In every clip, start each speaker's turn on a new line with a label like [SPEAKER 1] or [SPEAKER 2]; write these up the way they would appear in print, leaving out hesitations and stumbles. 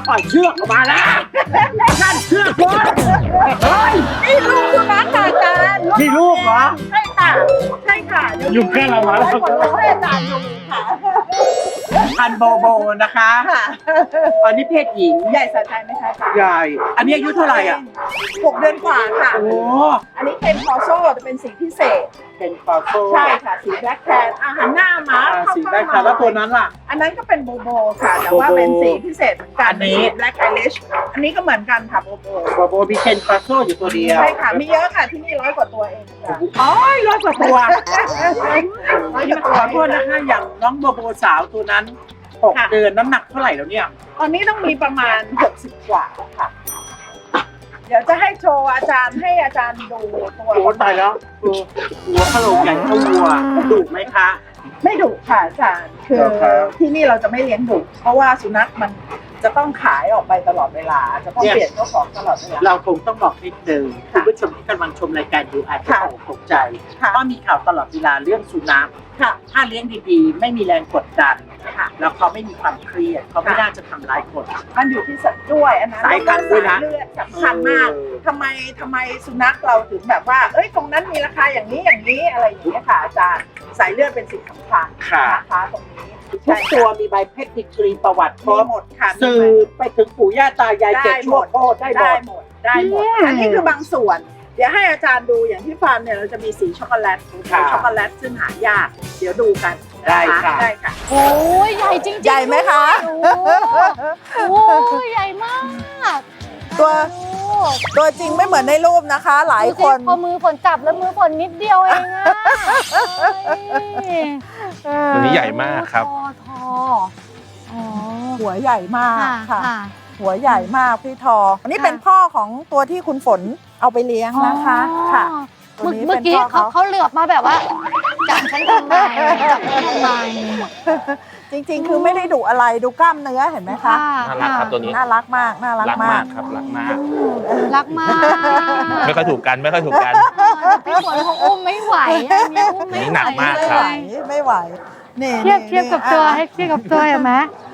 [SPEAKER 1] ปล่อยเชือกออกมาแล้วนั่นเชือกบอลเฮ้ย
[SPEAKER 2] นี่ลูกสุนัขค่ะอาจารย์
[SPEAKER 1] นี่ลูกเหรอ
[SPEAKER 2] ใช่ค่ะใช่ค่ะ
[SPEAKER 1] อยู่แค่เรามาแล้ว
[SPEAKER 2] ให้คนรู้ให้อาจารย์ดูค่ะ
[SPEAKER 1] พันโบโบนะคะ
[SPEAKER 2] ค่ะ
[SPEAKER 1] อันนี้เพศหญิง
[SPEAKER 2] ใหญ่สะใจไหมคะ
[SPEAKER 1] ใหญ่ อันนี้อายุเท่าไหร่อ่ะ
[SPEAKER 2] 6 เดือนกว่าค่ะ
[SPEAKER 1] โอ้
[SPEAKER 2] อันนี้เป็นคอโซ่จะเป็นสีพิเศษ
[SPEAKER 1] เป็นฟาโซ่
[SPEAKER 2] ใช่ค่ะสีแบล็คแทนหันหน้ามา
[SPEAKER 1] สีได้ค่ะแล้วตัวนั้นล่ะ
[SPEAKER 2] อันนั้นก็เป็นโบโบค่ะแต่ว่าเป็นสีพิเศษเหมือนกัน
[SPEAKER 1] อันนี้
[SPEAKER 2] แบล็คไอริชอันนี้ก็เหมืมือนกันค่ะโบโบ
[SPEAKER 1] โบโบมีเคนฟาโซ่อยู่ตัวเดียว
[SPEAKER 2] ใช่ค่ะมีเยอะค่ะที่นี่100 กว่าตัวเองค่ะ
[SPEAKER 1] อ๋อ100 กว่าตัว
[SPEAKER 2] 100 กว่าตัว
[SPEAKER 1] ขอโทษนะคะอย่างน้องโบโบสาวตัวนั้น6 เดือนน้ำหนักเท่าไหร่แล้วเนี่ย
[SPEAKER 2] ตอนนี้ต้องมีประมาณ60 กว่าค่ะ เดี๋ยวจะให้โชว์อาจารย์ให้อาจารย์ดูตัว
[SPEAKER 1] โอ้ตายแล้วหัวขโหลกใหญ่เท่าวัวดุไหมคะ
[SPEAKER 2] ไม่ดุค่ะอาจารย์คือ
[SPEAKER 1] เหรอครับ
[SPEAKER 2] ที่นี่เราจะไม่เลี้ยงดุเพราะว่าสุนัขมันจะต้องขายออกไปตลอดเวลา จะต้องเปลี่ยนเจ้าของตลอดเวลา
[SPEAKER 1] เราคงต้องบอกนิดนึงคุ
[SPEAKER 2] ค่ะ
[SPEAKER 1] ณผู้ชมที่กำลังชมรายการอยู่อาจจะ
[SPEAKER 2] ค่ะ
[SPEAKER 1] ตกใจ
[SPEAKER 2] ค่ะ
[SPEAKER 1] เพราะมีข่าวตลอดเวลาเรื่องสุนัข
[SPEAKER 2] ค่ะ
[SPEAKER 1] ถ้าเลี้ยงดีๆ ไม่มีแรงกดดัน
[SPEAKER 2] ค่ะ
[SPEAKER 1] แล้วเขาไม่มีความเครียดเขาไม่
[SPEAKER 2] ค่ะ
[SPEAKER 1] น่าจะทำร้ายคน
[SPEAKER 2] มันอยู่ที่สัตว์ด้วยอันนั้น
[SPEAKER 1] สายพันธุ์ด้วยนะ
[SPEAKER 2] สาเลือดสำคัญมากทำไมสุนัขเราถึงแบบว่า เอ้ยตรงนั้นมีราคาอย่างนี้อะไรอย่างนี้ยค่ะอาจารย์สายเลือดเป็นสิ่งสำคัญ
[SPEAKER 1] ค่ะ
[SPEAKER 2] นะคะตรงนี้
[SPEAKER 1] ทุกตัวมีใบเพชรดิกรีประวัติคร
[SPEAKER 2] มี
[SPEAKER 1] บ
[SPEAKER 2] หมดค่ะ
[SPEAKER 1] สืบไปถึงปู่ย่าตายายเจ็ดชั่วโคตรได้หมด
[SPEAKER 2] ได้หมดอันนี้คือบางส่วน เดี๋ยวให้อาจารย์ดูอย่างที่ฟาร์มเนี่ยเราจะมีสีช็อกโกแลต
[SPEAKER 1] ค่ะ
[SPEAKER 2] ช็อกโกแลตซึ่งหายาก เดี๋ยวดูกันน
[SPEAKER 1] ได้ค่ะ
[SPEAKER 2] ได้ค่ะ
[SPEAKER 3] โอ้ยใหญ่จริงๆ
[SPEAKER 2] ใหญ่ไหมคะ
[SPEAKER 3] โอ้ยใหญ่มาก
[SPEAKER 2] ตัว
[SPEAKER 3] โอ้
[SPEAKER 2] ตัวจริงไม่เหมือนในรูปนะคะ หลาย
[SPEAKER 3] ดู
[SPEAKER 2] ค
[SPEAKER 3] สิ
[SPEAKER 2] น
[SPEAKER 3] พอมือฝนจับแล้วมือฝนนิดเดียวเองอะเอ้ย
[SPEAKER 4] ตัวนี้ใหญ่มากครับ
[SPEAKER 3] ทออ๋อ
[SPEAKER 2] หัวใหญ่มาก
[SPEAKER 3] ค่ะ
[SPEAKER 2] ค่ะ
[SPEAKER 3] ค่ะ
[SPEAKER 2] หัวใหญ่มากพี่ทอ อันนี้
[SPEAKER 3] ค่ะ
[SPEAKER 2] เป็นพ่อของตัวที่คุณฝนเอาไปเลี้ยงนะคะค่ะ ตัวนี้
[SPEAKER 3] เมื่อกี้
[SPEAKER 2] เป็นพ่อ
[SPEAKER 3] เขาเหลือบมาแบบว่าจับฉันทำไมจับฉันทำไม
[SPEAKER 2] จริงๆ คือไม่ได้ดุอะไรดูกล้ามเนื้อเห็นไหมคะ
[SPEAKER 4] น่ารักครับตัวนี้
[SPEAKER 2] น่ารักมากน่ารัก
[SPEAKER 4] รัก
[SPEAKER 2] มาม
[SPEAKER 4] าก กครับรักมาก
[SPEAKER 3] รักมาก
[SPEAKER 4] ไม่ค่อยถูกกันไม่ค่อยถูกกัน
[SPEAKER 3] พี่ฝนเขาอุ้มไม่ไหวอะเนี่ยอุ้มไม่
[SPEAKER 4] นี่
[SPEAKER 3] ไหว
[SPEAKER 4] หนักมาก
[SPEAKER 2] ไม่
[SPEAKER 4] ครั
[SPEAKER 2] ไห
[SPEAKER 4] บ
[SPEAKER 2] วไม่ไหวนี่
[SPEAKER 3] เทียบกับตัวให้เทียบกับตัวเห็นไหม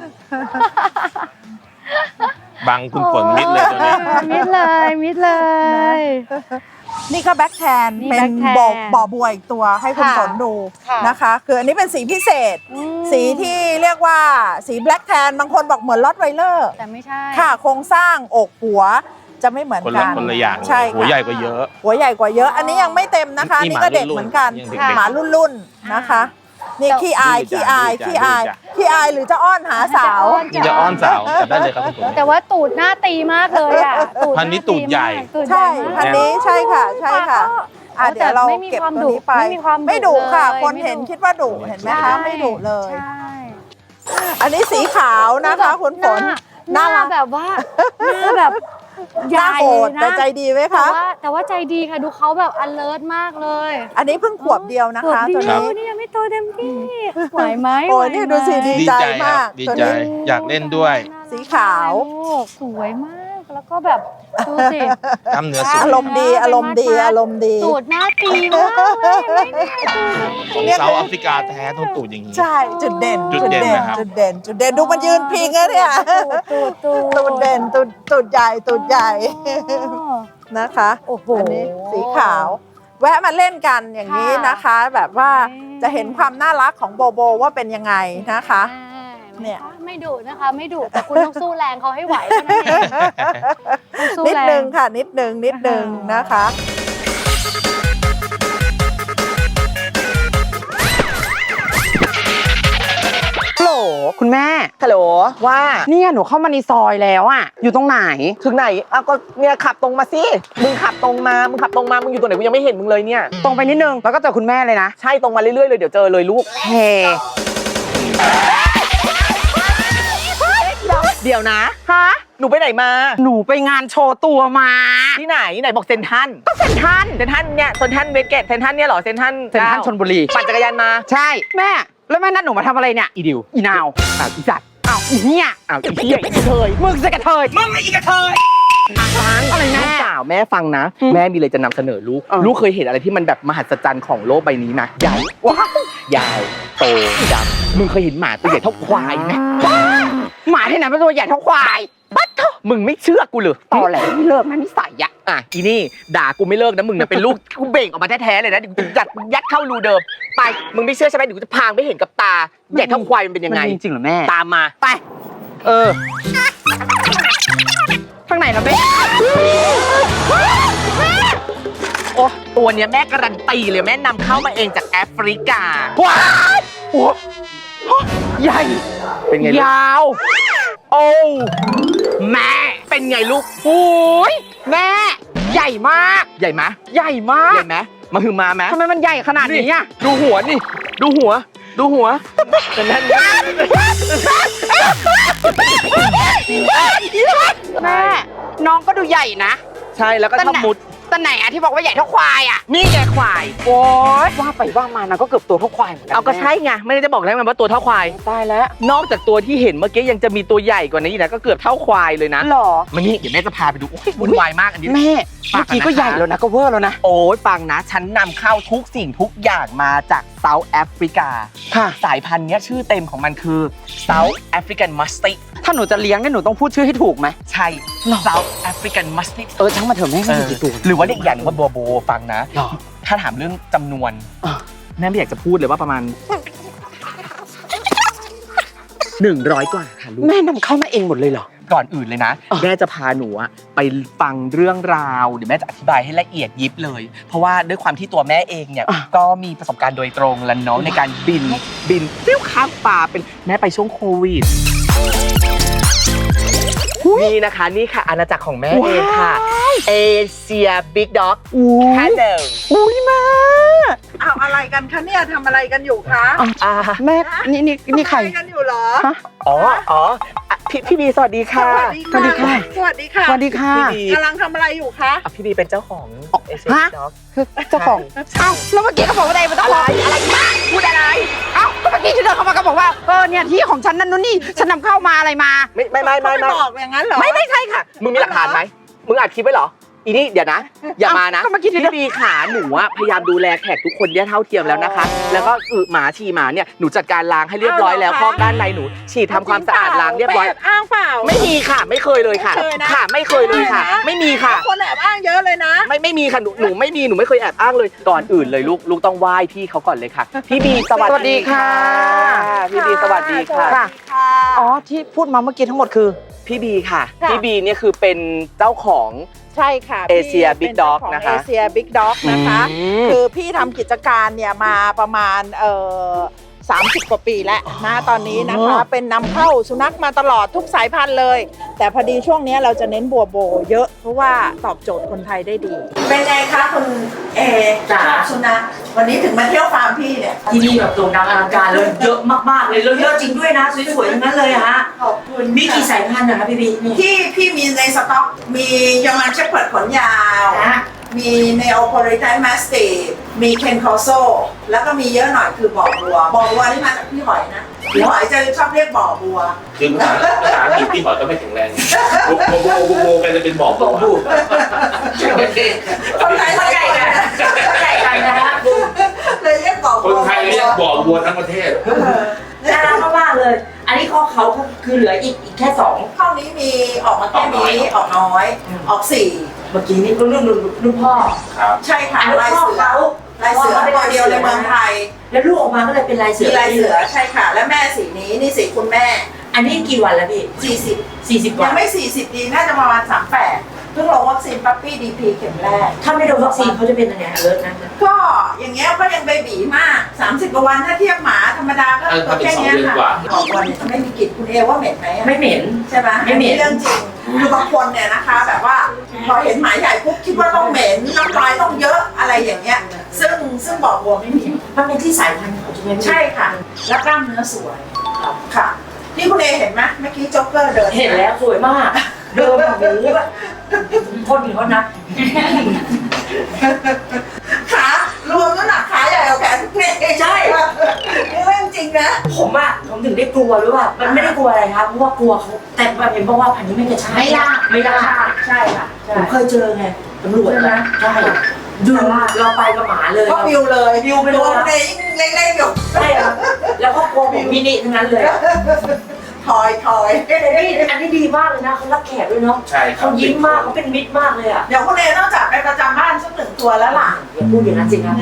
[SPEAKER 4] บังคุณฝนมิดเลยตัวนี้
[SPEAKER 3] มิดเลย
[SPEAKER 2] นี่ก็แบ็คแทน
[SPEAKER 3] นี่
[SPEAKER 2] เป็น
[SPEAKER 3] back tan
[SPEAKER 2] บ่อบัวอีกตัวให้คุณ
[SPEAKER 3] ค่ะ
[SPEAKER 2] ฝนดู
[SPEAKER 3] ค่ะ
[SPEAKER 2] นะคะ คืออันนี้เป็นสีพิเศษ
[SPEAKER 3] อืม
[SPEAKER 2] สีที่เรียกว่าสีแบล็คแทนบางคนบอกเหมือนลอตไวเลอร์
[SPEAKER 3] แต่ไม่ใช่
[SPEAKER 2] ค่ะโครงสร้างอกหัวจะไม่เหมือน
[SPEAKER 4] คน
[SPEAKER 2] กั
[SPEAKER 4] ละ
[SPEAKER 2] น
[SPEAKER 4] คนละอย่าง
[SPEAKER 2] ใช่
[SPEAKER 4] หัว
[SPEAKER 2] ค่ะ
[SPEAKER 4] ใหญ่กว่าเยอะ
[SPEAKER 2] หัวใหญ่กว่าเยอะ อันนี้ยังไม่เต็มนะคะ
[SPEAKER 4] นี่
[SPEAKER 2] นี่ก็เด็ก
[SPEAKER 4] หมารุ่นๆ
[SPEAKER 2] เหมือนกัน
[SPEAKER 4] ยังเด็ก
[SPEAKER 2] หมารุ่นๆนะคะ นี่ขี้อาย
[SPEAKER 4] ดื้
[SPEAKER 2] ขี้
[SPEAKER 4] อ
[SPEAKER 2] อาย
[SPEAKER 4] จ้ะ
[SPEAKER 2] ขี้อาย
[SPEAKER 4] ดื้อจ้ะ
[SPEAKER 2] ขี้อายหรือจะอ้อนหาสาว
[SPEAKER 4] นี่จะอ้อนสาวจับได้เลยครับคุณฝน
[SPEAKER 3] แต่ว่าตูดหน้าตีมากเลยอ่ะ
[SPEAKER 4] พันธุ์นี้ตูดใหญ่
[SPEAKER 3] ตูดให
[SPEAKER 2] ใช่
[SPEAKER 3] ญ่มาก
[SPEAKER 2] พันนี้ใช่ค่ะใช่ค่ะอ่ะ
[SPEAKER 3] แต่
[SPEAKER 2] เดี๋ยวเรา
[SPEAKER 3] ไม่มี
[SPEAKER 2] เก็บ
[SPEAKER 3] ความ
[SPEAKER 2] ตัวนี้ไป
[SPEAKER 3] ดุไม่มีความดุ
[SPEAKER 2] ไม่ดุค่ะ
[SPEAKER 3] เลย
[SPEAKER 2] คน
[SPEAKER 3] ไม่
[SPEAKER 2] เห็น
[SPEAKER 3] ดุ
[SPEAKER 2] คิดว่าดุเห็นไหมคะไม่ดุเลย
[SPEAKER 3] ใช่
[SPEAKER 2] อันนี้สีขาวนะคะคุณฝน
[SPEAKER 3] หน้า
[SPEAKER 2] น่ารัก
[SPEAKER 3] แบบว่าหน้าแบบ
[SPEAKER 2] หน้าโหด
[SPEAKER 3] นะ
[SPEAKER 2] แต่ใจดีไหม
[SPEAKER 3] แต่
[SPEAKER 2] คะ
[SPEAKER 3] ว่าแต่ว่าใจดีค่ะดูเขาแบบ alert มากเลย
[SPEAKER 2] อันนี้เพิ่งขวบเดียวนะคะ
[SPEAKER 3] ข
[SPEAKER 2] ตัว
[SPEAKER 3] เดีย
[SPEAKER 2] นี้
[SPEAKER 3] นี่ยังไม่โตเต็มที่ไหวไหม
[SPEAKER 2] โอ้ย
[SPEAKER 3] ไหว
[SPEAKER 2] นี่ดูสิ
[SPEAKER 3] ไหม
[SPEAKER 2] ดี
[SPEAKER 4] ดี
[SPEAKER 2] ใจ
[SPEAKER 4] ใจ
[SPEAKER 2] มาก
[SPEAKER 4] ดี
[SPEAKER 2] ตัว
[SPEAKER 4] ใจ
[SPEAKER 2] นี้
[SPEAKER 4] อยากเล่นด้วย
[SPEAKER 2] สีขาว
[SPEAKER 3] ลูกสวยมาก แล้วก็แบบดูสิ
[SPEAKER 4] กล้ามเนื้อสุด
[SPEAKER 2] อารมณ์ดีอารมณ์ดีอารมณ์ดี
[SPEAKER 3] ตูดหน้าตีมากเลยไม่ได้ตูด
[SPEAKER 4] ของเซาท์แอฟริกาแท้ต้องตูดอย่างนี้
[SPEAKER 2] ใช่จุดเด่น
[SPEAKER 4] จุดเด่นนะครับ
[SPEAKER 2] จุดเด่นจุดเด่นดูมันยืนพิงอะเนี่ย
[SPEAKER 3] ตูด
[SPEAKER 2] ตูดเด่นตูดใหญ่ตูดใหญ่
[SPEAKER 3] อ๋อ
[SPEAKER 2] นะคะ
[SPEAKER 3] โอ้โห
[SPEAKER 2] อันนี้สีขาว แวะมาเล่นกันอย่างนี้นะคะ แบบว่าจะเห็นความน่ารักของโบโบว่าเป็นยังไงนะคะ เนี่ย
[SPEAKER 3] ไม่ดุนะคะไม่ดุแต่คุณต้องสู้แรงเขาให้ไหวเท่านั้นเองต้องสู้
[SPEAKER 2] นิด
[SPEAKER 3] แรง
[SPEAKER 2] นึงค่ะนิดนึงนะคะ
[SPEAKER 5] ฮัลโหลคุณแม่
[SPEAKER 6] ฮัลโหลว่า
[SPEAKER 5] เนี่ยหนูเข้ามาในซอยแล้วอะอยู่ตรงไหน
[SPEAKER 6] ถึงไหนอ้าวก็เนี่ยขับตรงมาสิมึงขับตรงมามึงอยู่ตรงไหนกูยังไม่เห็นมึงเลยเนี่ย
[SPEAKER 5] ตรงไปนิดนึงแล้วก็เจอคุณแม่เลยนะ
[SPEAKER 6] ใช่ตรงมาเรื่อยๆเลยเดี๋ยวเจอเลยลูก
[SPEAKER 5] เฮ้
[SPEAKER 6] เดี๋ยวนะ
[SPEAKER 5] ฮะ
[SPEAKER 6] หนูไปไหนมา
[SPEAKER 5] หนูไปงานโชว์ตัวมา
[SPEAKER 6] ที่ไหนบอกเซนทรัน
[SPEAKER 5] ก็เซ็นทรัล
[SPEAKER 6] เซนทรันเนี่ยเซนทรันเวสเกตเซนทรันเนี่ยเหรอเซนทรัน
[SPEAKER 5] เซ็นทรัลชลบุรี
[SPEAKER 6] ปั่นจักรยานมา
[SPEAKER 5] ใช่แม่แล้วแม่นัดหนูมาทำอะไรเนี่ยอีดิวอีนาวอ้าวอีสัตว์อ้าวอีเนี่ย
[SPEAKER 6] อ้าวอีเหี้ยอีกระเทย
[SPEAKER 5] มึงจะกระเทย
[SPEAKER 6] มึงอีกระเทยฟัง
[SPEAKER 5] อะไรแม่
[SPEAKER 6] ลูกสาวแม่ฟังนะ
[SPEAKER 5] อืม
[SPEAKER 6] แม่มีอะไรจะนำเสนอลูก
[SPEAKER 5] เออ
[SPEAKER 6] ลูกเคยเห็นอะไรที่มันแบบมหัศจรรย์ของโลกใบนี้ไหมใหญ่ว้าวยาวโตดำมึงเคยเห็นหมาตัวใหญ่เท่าควายไหม
[SPEAKER 5] หมาที่ไหนเป็นตัวใหญ่เท่าควาย
[SPEAKER 6] บัดเถอะมึงไม่เชื่อกูเลย
[SPEAKER 5] ต่อแหลไม่เลิกนะนิสัยอะ
[SPEAKER 6] อ่ะอีนี่ด่ากูไม่เลิกนะมึงเนี่ยเป็นลูกกูเบ่งออกมาแท้ๆเลยนะเดี๋ยวกูจะยัดเข้ารูเดิมไปมึงไม่เชื่อใช่ไหมเดี๋ยวกูจะพางไม่เห็นกับตาใหญ่เท่าควายมันเป็นยังไง
[SPEAKER 5] มันมีจริงเหรอแม่
[SPEAKER 6] ตามมา
[SPEAKER 5] ไป
[SPEAKER 6] เออ
[SPEAKER 5] ข้างไหนล่ะแม่
[SPEAKER 6] โอ้ตัวเนี้ยแม่การันตีเลยแม่นำเข้ามาเองจากแอฟริกา
[SPEAKER 5] ว้ายโอ้ใหญ่
[SPEAKER 6] เป็นไงลูก
[SPEAKER 5] ยาว
[SPEAKER 6] โอ้แม่เป็นไงลูก
[SPEAKER 5] โอ้ยแม่ ใหญ่มาก
[SPEAKER 6] ใหญ่ไหม
[SPEAKER 5] ใหญ่มา
[SPEAKER 6] ให
[SPEAKER 5] ก
[SPEAKER 6] ญ่ไหมมาหือมาไหม
[SPEAKER 5] ทำไมมันใหญ่ขนาดนี้อะ
[SPEAKER 6] ดูหัวนี่ดูหัวแต่นั่น
[SPEAKER 5] แม่ น้องก็ดูใหญ่นะ
[SPEAKER 6] ใช่แล้วก็ชอบมุด
[SPEAKER 5] แต่ไหนอะที่บอกว่าใหญ่เท่าควายอะ
[SPEAKER 6] นี่แกควาย
[SPEAKER 5] โอ้ยว่าไปว่ามานะก็เกือบตัวเท่าควายเหมือนกั
[SPEAKER 6] เอาก็ใช่ไงไม่ได้จะบอกแล้วไงว่าตัวเท่าควาย
[SPEAKER 5] ตายแล้ว
[SPEAKER 6] นอกจากตัวที่เห็นเมื่อกี้ยังจะมีตัวใหญ่กว่านี้อีกนะก็เกือบเท่าควายเลยนะ
[SPEAKER 5] หรอ
[SPEAKER 6] มานี่เดี๋ยวแม่จะพาไปดูโอ้ยวุ่นวายมากอันนี้
[SPEAKER 5] แม่
[SPEAKER 6] ฝา
[SPEAKER 5] เมื่
[SPEAKER 6] ก
[SPEAKER 5] อ
[SPEAKER 6] กันนะคะ
[SPEAKER 5] กี้ก็ใหญ่แล้วนะก็เวอร์แล้วนะ
[SPEAKER 6] โอ้ยฟังนะ ฉันนำเข้าทุกสิ่งทุกอย่างมาจากเซาท์แอฟริกา
[SPEAKER 5] ค่ะ
[SPEAKER 6] สายพันธุ์เนี้ยชื่อเต็มของมันคือ South African Musty
[SPEAKER 5] ถ้าหนูจะเลี้ยงเนี่ยหนูต้องพูดชื่อให้ถูกไหม
[SPEAKER 6] ใช่ South African Musty
[SPEAKER 5] ช่างมาเถอะแม่
[SPEAKER 6] เอ
[SPEAKER 5] มี
[SPEAKER 6] อ
[SPEAKER 5] กี่ตัว
[SPEAKER 6] หรือว่าเรียกอีกอย่างหนึงว่าบัวโบฟังนะ
[SPEAKER 5] หรอ
[SPEAKER 6] ถ้าถามเรื่องจำนวน
[SPEAKER 5] อ่ะ
[SPEAKER 6] แม่ไม่อยากจะพูดเลยว่าประมาณ 100 กว่าค่ะลูก
[SPEAKER 5] แม่นำเข้ามาเองหมดเลยเหรอ
[SPEAKER 6] ก่อนอื่นเลยนะ
[SPEAKER 5] อ่ะ
[SPEAKER 6] แม่จะพาหนูอะไปฟังเรื่องราวเดี๋ยวแม่จะอธิบายให้ละเอียดยิบเลย เพราะว่าด้วยความที่ตัวแม่เองเนี่ยก็มีประสบการณ์โดยตรงแล้วเนาะในการบินฟิวข้ามป่าเป็นแม่ไปช่วงโควิดนี่นะคะนี่ค่ะอาณาจักรของแม่เองค่ะเอเชียบิ๊กด็อกแค่เดิม
[SPEAKER 5] อุ้ยแม่
[SPEAKER 2] เอาอะไรกันคะเนี่ยทำอะไรกันอยู่คะ
[SPEAKER 6] อ่า
[SPEAKER 5] แม่นี่ใคร
[SPEAKER 2] ทำอะไรกันอยู่เหรอ
[SPEAKER 5] ฮะ
[SPEAKER 6] อ๋ออ่ะพี่บีสวัสดีค่ะ
[SPEAKER 2] สวัสดีค่ะ
[SPEAKER 5] สวัสดีค่ะ
[SPEAKER 2] สวัสดีค่ะ
[SPEAKER 5] สวัสดีค่ะ
[SPEAKER 6] พี่บี
[SPEAKER 2] กำลังทำอะไรอยู่คะ
[SPEAKER 6] อ่ะพี่บีเป็นเจ้าของเอเชีย
[SPEAKER 5] ฮะ
[SPEAKER 6] บิ๊กด็อก
[SPEAKER 5] คือเจ้าของเอ้าแล้วเมื่อกี้เขาบอกว่าอะไรมันต้อง
[SPEAKER 6] อะไรพูดอะไร
[SPEAKER 5] เอ้าก็เมื่อกี้ที่เดินเข้ามาก็บอกว่าเนี่ยที่ของฉันนั่นนู่นนี่ฉันนำเข้ามาอะไรมา
[SPEAKER 6] ไม่
[SPEAKER 2] เขาบอกอย่างนั้นเหรอ
[SPEAKER 6] ไม่ใช่ค่ะ มึงมีหลักฐานไหมมึงอัดคลิปไว้เหรออีนี่เดี๋ยวนะ อย่ามานะ
[SPEAKER 5] ก็เมื่อกี้ที่
[SPEAKER 6] พี่บีขาหนูอะพยายามดูแลแขกทุกคนเนี่ยเท่าเทียมแล้วนะคะ แล้วก็หมาฉี่หมาเนี่ยหนูจัดการล้างให้เรียบร้อยแล้วคอกด้านในหนูฉีดทำความสะอาดล้างเรียบร้อย
[SPEAKER 2] แอบอ้างเปล่า
[SPEAKER 6] ไม่มีค่ะไม่เคยเลยค่ะ
[SPEAKER 2] ไม่เคยนะ
[SPEAKER 6] ค่ะไม่เคยเลยค่ะ ไม่มีค่ะ
[SPEAKER 2] คนแอบอ้างเยอะเลยนะ
[SPEAKER 6] ไม่มีค่ะหนูไม่มีหนูไม่เคยแอบอ้างเลยก่อนอื่นเลยลูกต้องไหว้พี่เขาก่อนเลยค่ะ พี่บีสวัสดีค่ะพี่บีสวัสดีค่ะ
[SPEAKER 5] ค่ะ อ๋อที่พูดมาเมื่อกี้ทั้งหมดคือ
[SPEAKER 6] พี่บีค่ะ
[SPEAKER 2] ค่ะ
[SPEAKER 6] พี่บีเนี่ยคือเป็นเจ้าของ
[SPEAKER 2] ใช่ค่ะ
[SPEAKER 6] Asia Big Dog
[SPEAKER 2] ของ
[SPEAKER 6] นะคะ
[SPEAKER 2] เอเชียบิ๊กด็อกนะคะ คือพี่ทำกิจการเนี่ยมาประมาณ30 กว่าปีแล้วนะตอนนี้นะคะ เป็นนำเข้าสุนัขมาตลอดทุกสายพันธุ์เลย แต่พอดีช่วงนี้เราจะเน้นบัวโบเยอะเพราะว่าตอบโจทย์คนไทยได้ดี เป็นไงคะคุณเอชอบสุนัขวันนี้ถึงมาเที่ยวฟาร์มพี่เนี่ย
[SPEAKER 7] ที่นี่แบบโด่งดังอลังการเลยเยอะมากๆเลยแล้วเยอะจริงด้วยนะสวยๆทั้งนั้นเลยอะฮะ
[SPEAKER 2] ขอบคุณ
[SPEAKER 7] มีกี่สายพันธุ์นะคะพี่บีนี่
[SPEAKER 2] ที่พี่มีในสต็อกมียอร์มันเชพเพิร์ดขนยาว
[SPEAKER 7] นะ
[SPEAKER 2] มีเนโอโพลิแทนมาสติมีเคนคอโซแล้วก็มีเยอะหน่อยคือบ่อบัวนี่มาจากพี่หอยนะพี่หอยจะชอบเรียกบ่อบัว
[SPEAKER 8] คือภาษาอังกฤษที่หมอก็ไม่แข็งแรงโบกันจะเป็นบอกบอกบู
[SPEAKER 2] คนไทย
[SPEAKER 7] เข้าใจกันเข้าใจกันนะฮะ
[SPEAKER 2] เลยเรียกบ่อ
[SPEAKER 8] ค
[SPEAKER 2] บัวน
[SPEAKER 8] ไทยเรียกบอกบัวทั้งประเทศ
[SPEAKER 7] น่ารักมากๆเลย อันนี้ข้อเขาคือเหลืออีกแค่2
[SPEAKER 2] ข้าวนี้มีออกมาแค่นี้ออกน้อยออก4
[SPEAKER 7] เมื่อกี้นี่รุ่นพ่อ
[SPEAKER 8] ครับ
[SPEAKER 2] ใช่ค่ะ
[SPEAKER 7] อันนี้
[SPEAKER 2] ลาย
[SPEAKER 7] พ่อ
[SPEAKER 2] เสือ
[SPEAKER 7] เขา
[SPEAKER 2] ลายเสือตัวเดียวในเมืองไทย
[SPEAKER 7] แล้วลูกออกมาก็เลยเป็นลายเสื
[SPEAKER 2] มี
[SPEAKER 7] อ
[SPEAKER 2] ลายเสือใช่ค่ะ และแม่สีนี้นี่สีคุณแม่
[SPEAKER 7] อันนี้กี่วันแล้วพี่
[SPEAKER 2] 40
[SPEAKER 7] 40 วั
[SPEAKER 2] ยั
[SPEAKER 7] น
[SPEAKER 2] งไม่ 40 ดี น่าจะประมาณ 38 เพิ่งลงวัคซีนปั๊ปปี้ดีพีเข็มแรก
[SPEAKER 7] ถ้าไม่โดนวัคซีนเขาจะเป็นยังไงเลิศนะ
[SPEAKER 2] ก็อย่างเงี้ยก็ยังเบบีมาก 30 กว่าวันถ้าเทียบหมาธรรมดาก็
[SPEAKER 8] ถ้าเป็น
[SPEAKER 2] แค่เนี้ย
[SPEAKER 8] 2 เดือน
[SPEAKER 2] ค่ะ
[SPEAKER 8] กว่า
[SPEAKER 2] ออกวันเนี่ยจะไม่มีกลิ่นคุณเอว่าเหม็นไหมอะ
[SPEAKER 7] ไม่เหม็น
[SPEAKER 2] ใช่ไหม
[SPEAKER 7] ไม่เหม็น
[SPEAKER 2] อัเรื่องจริง คือบางคนเนี่ยนะคะ แบบว่าพอเห็นหมาใหญ่ปุ๊บคิดว่าต้องเหม็นน้ำลายต้องเยอะอะไรอย่างเงี้ย ซึ่งบอกบัวไม่มี
[SPEAKER 7] มันเป็นที่สายพันธุ์ของใช่ไหมพี่
[SPEAKER 2] ใช่ค่ะ แล้วกล้ามเนื้อสวยค่ะนี่คุณเอเห็นไหมเมื่อกี้โจ๊กเกอร์เดิน
[SPEAKER 7] เห็นแล้วสวยมาก เดิมแบบโอ้โหแบบคนหนึ่งเขานะ
[SPEAKER 2] ขารวมน้ำหนักขาใหญ่กว่าแขนคุณเอ
[SPEAKER 7] ใช่
[SPEAKER 2] นี่เรื่องจริงนะ
[SPEAKER 7] ผมถึงได้กลัวหรือว่ามันไม่ได้กลัวอะไรครับเพราะว่ากลัวเขาแต่มันเป็นเพราะว่าพันธุ์นี้ไม่กระชากไม่ล่า
[SPEAKER 2] ใช่ค่ะใช่
[SPEAKER 7] ผมเคยเจอไงตำรวจนะใช่ดูเราไปกับหมาเลย
[SPEAKER 2] ก็วิวเลย
[SPEAKER 7] วิวไปเลย
[SPEAKER 2] ตัวคุณเอยิ่งเล็กๆอยู่
[SPEAKER 7] ใช่ครับแล้วก็กลัวผมมินิทั้งนั้นเลย
[SPEAKER 2] ทอย
[SPEAKER 7] แต่นี่อันนี้ดีมากเลยนะเขารักแขกด้วยเนาะ
[SPEAKER 8] ใช่ครับ
[SPEAKER 7] เขายิ้มมากเขาเป็นมิตรมากเลยอ่ะ
[SPEAKER 2] เดี๋ยวคุณเอต้องจัดไปประจำบ้านสัก1 ตัวแล้วล่ะ
[SPEAKER 7] อย่าพูดอย่างนั้นสิครับ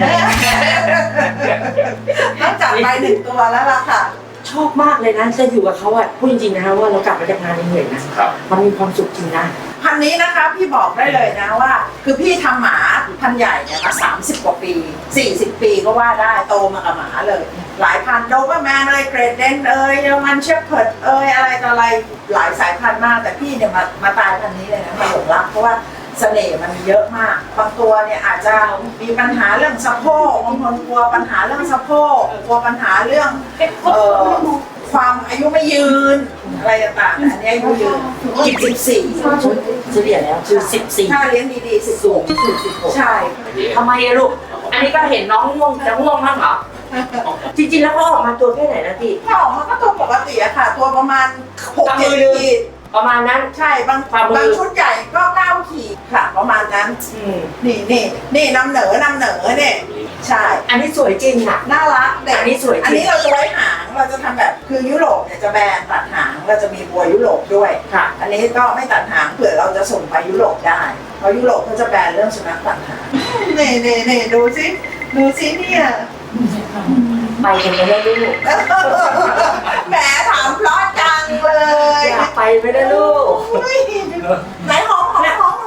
[SPEAKER 2] ต้องจัดไป1 ตัวแล้วล่ะค่ะ
[SPEAKER 7] ชอบมากเลยนะจะอยู่กับเขาอ่ะพูดจริงๆนะว่าเรากลับมาจากงานเหนื่อยๆนะครับ มันมีความสุขจริงนะ
[SPEAKER 2] พันธุ์นี้นะคะพี่บอกได้เลยนะว่า คือพี่ทำหมาพันธุ์ใหญ่เนี่ยมา30 กว่าปี 40 ปีก็ว่าได้โตมากับหมาเลย หลายพันธุ์โดเบอร์แมนเกรดเดนเยอรมันเชฟเพิร์ดอะไรต่ออะไรหลายสายพันธุ์มากแต่พี่เนี่ยมาตายพันธุ์นี้เลยนะมาหลงรักเพราะว่าเสน่ห์มันเยอะมากบางตัวเนี่ยอาจจะมีปัญหาเรื่องสะโพกบางคนกลัวปัญหาเรื่องสะโพกกลัวปัญหาเรื่องความอายุไม่ยืนอะไรต่างๆอันนี้อายุยืน14
[SPEAKER 7] เฉลี่ยแล้วคือ14
[SPEAKER 2] ถ้าเลี้ยงดีๆ16ใช่
[SPEAKER 7] ทำไมอะลูกอันนี้ก็เห็นน้องง่วงจะง่วงมากเหรอจริงๆแล้วเขาออกมาตัวแค่ไหนนะพี่
[SPEAKER 2] ถ้าออกมาก็ตัวปกติอะค่ะ ตัวประมาณ 6-7 ขีด
[SPEAKER 7] ประมาณนั้น
[SPEAKER 2] ใช่บางชุดใหญ่ก็9 ขีดค่ะประมาณนั้นนี่นำเหนอเนี่ยใช่
[SPEAKER 7] อันนี้สวยจริงอ่ะ
[SPEAKER 2] น่ารักเด็ก
[SPEAKER 7] อันนี้สวยจริง
[SPEAKER 2] อันนี้เราจะไว้หางเราจะทำแบบคือยุโรปเนี่ยจะแบนตัดหางเราจะมีบัวยุโรปด้วย
[SPEAKER 7] ค่ะ
[SPEAKER 2] อันนี้ก็ไม่ตัดหางเผื่อเราจะส่งไปยุโรปได้เพราะยุโรปเขาจะแบนเรื่องสุนัขตัดหางนี่ดูสิเนี่ย
[SPEAKER 7] ไปกันไม่ได้ลูก
[SPEAKER 2] แหมถามเพราะจังเลย
[SPEAKER 7] อยากไปไม่ได้ลูก
[SPEAKER 2] ไหนหอมเฮ้ยหอม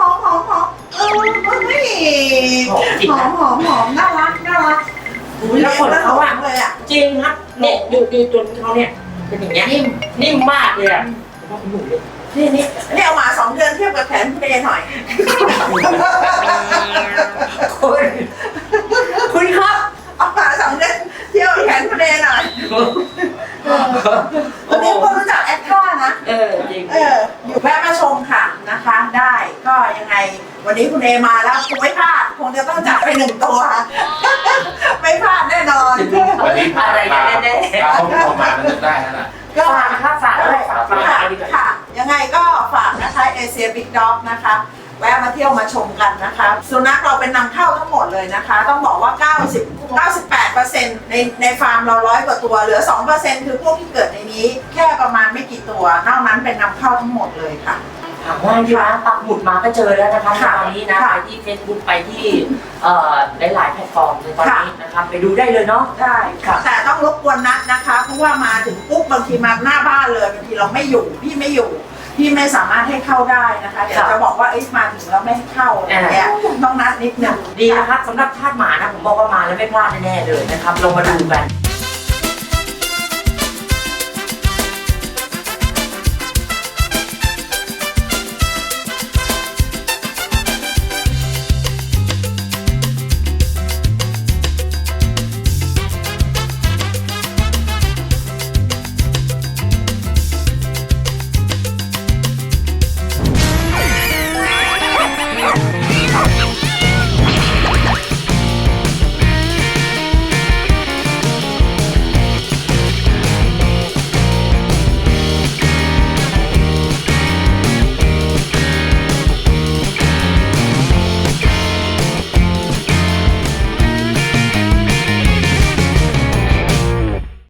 [SPEAKER 2] น่ารัก
[SPEAKER 7] แล้วขนเขาอะ
[SPEAKER 2] เลยอ่ะ
[SPEAKER 7] จริงครับเนี่ยดูจนเขาเนี่ยเป็นอย่างเงี้ยนิ่มมากเลยอ่ะ
[SPEAKER 2] นี่เอามา2 เดือนเทียบกับแขนคุณเอหน่อย
[SPEAKER 7] คุณครับ
[SPEAKER 2] เอามา2 เดือนเทียบกับแขนคุณเอหน่อยวันนี้ก็รู้จักแอคท่านะ
[SPEAKER 7] จริง
[SPEAKER 2] อยู่แวะมาชมค่ะนะคะ ได้ก็ยังไงวันนี้คุณเอมาแล้วคงไม่พลาดคงจะต้องจัดไป1 ตัว ไม่พลาดแน่นอน
[SPEAKER 8] วันนี้พาครอบครัวมามันนึกได้แล้วล่ะ
[SPEAKER 2] ก็
[SPEAKER 7] ฝากอะไรฝากดีกว่า
[SPEAKER 2] ค่ะ ยังไงก็ฝากนะคะเอเชียบิ๊กด็อกนะคะแวะมาเที่ยวมาชมกันนะคะสุนัขเราเป็นนำเข้าทั้งหมดเลยนะคะ ต้องบอกว่า 98% ในฟาร์มเรา100 กว่าตัวเหลือ 2% คือพวกที่เกิดในนี้แค่ประมาณไม่กี่ตัวนอกนั้นเป็นนำเข้าทั้งหมดเลยค่ะ
[SPEAKER 7] ถามง่ายดีนะปักหมุดมาก็เจอแล้วนะคะ
[SPEAKER 2] ค่ะ
[SPEAKER 7] ตอนนี้นะไปที่ Facebook ไปที่หลายๆแพลตฟอร์มเลยตอนนี้นะครับไปดูได้เลยเนาะ
[SPEAKER 2] ได้ค่ะแต่ต้องรบกวนนัดนะคะ เพราะว่ามาถึงปุ๊บบางทีมาหน้าบ้านเลยบางทีเราไม่อยู่พี่ไม่อยู่พี่ไม่สามารถให้เข้าได้นะคะเดี๋ยวจะบอกว่ามาถึงแล้วไม่ให้เข้าอะไรอย่างเงี้ยต้องนัดนิดนึง
[SPEAKER 7] ดีนะครับสำหรับทาสหมานะผมบอกว่ามาแล้วไม่พลาดแน่ๆเลยนะครับลงมาดูกัน